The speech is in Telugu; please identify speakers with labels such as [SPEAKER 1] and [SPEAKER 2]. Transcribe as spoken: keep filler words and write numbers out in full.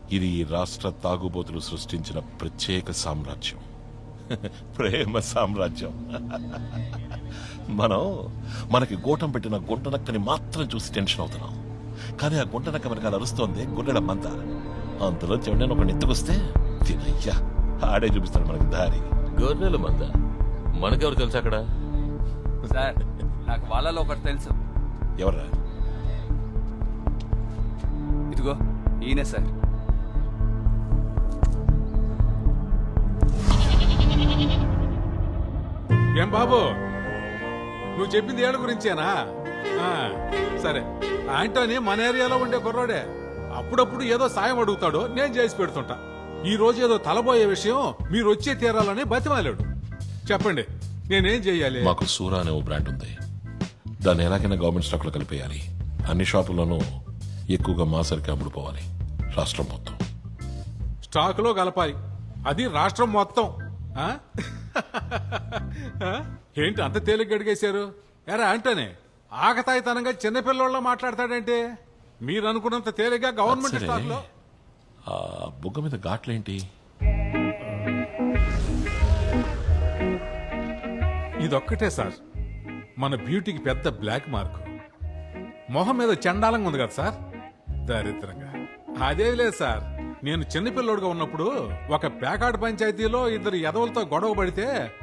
[SPEAKER 1] ఇది ఈ రాష్ట్ర తాగుబోతులు సృష్టించిన ప్రత్యేక సామ్రాజ్యం. ప్రేమ సామ్రాజ్యం. మనం మనకి గోటం పెట్టిన గుంటనక్కని మాత్రం చూసి టెన్షన్ అవుతున్నాం. కానీ ఆ గుంటనక్క వెనకాల అరుస్తోంది గుండెల మంద. అంతలో చెవిని ఒక నెత్తుకొస్తే తినయ్యా ఆడే చూపిస్తాడు మనకి దారి.
[SPEAKER 2] గొర్రెల మంద మనకెవరు తెలుసు అక్కడ?
[SPEAKER 3] సార్ నాకు వాళ్ళలో ఒకటి తెలుసు.
[SPEAKER 1] ఎవర్రా?
[SPEAKER 3] ఇదిగో ఈయనే సార్.
[SPEAKER 4] ఏం బాబు, నువ్వు చెప్పింది ఏళ్ళ గురించేనా? ఆ, సరే. ఆంటోనీ మన ఏరియాలో ఉండే కుర్రోడే. అప్పుడప్పుడు ఏదో సాయం అడుగుతాడు, నేను చేసి పెడుతుంటా. ఈ రోజు ఏదో తలబోయే విషయం మీరు వచ్చే తీరాలని బతిమాలాడు. చెప్పండి, నేనేం చెయ్యాలి?
[SPEAKER 1] మాకు సూరా అనే ఓ బ్రాండ్ ఉంది. దాన్ని ఎలాగైనా గవర్నమెంట్ స్టాక్ లో కలిపేయాలి. అన్ని షాపుల్లోనూ ఎక్కువగా మా సరికి అమ్ముడుపోవాలి. రాష్ట్రం మొత్తం
[SPEAKER 4] స్టాక్ లో కలపాలి, అది రాష్ట్రం మొత్తం. ఆ? ఆ? ఏంటి అంత తేలిగ్గా అడిగేశారు? ఎరా ఆంటోనీ, ఆకతాయితనంగా చిన్నపిల్లోళ్ళ మాట్లాడతాడంటే మీరు అనుకున్నంత తేలిగ్గా గవర్నమెంట్
[SPEAKER 1] సరే.
[SPEAKER 4] స్టాక్ లో.
[SPEAKER 1] ఆ బుగ్గ మీద ఘాట్లేంటి?
[SPEAKER 4] ఇదొక్కటే సార్ మన బ్యూటీకి పెద్ద బ్లాక్ మార్క్. మొహం మీద చండాలంగా ఉంది కదా సార్, దరిద్రంగా. అదే లేదు సార్, నేను చిన్నపిల్లోడుగా ఉన్నప్పుడు ఒక పేకాడు పంచాయతీలో ఇద్దరు ఎదవలతో గొడవ పడితే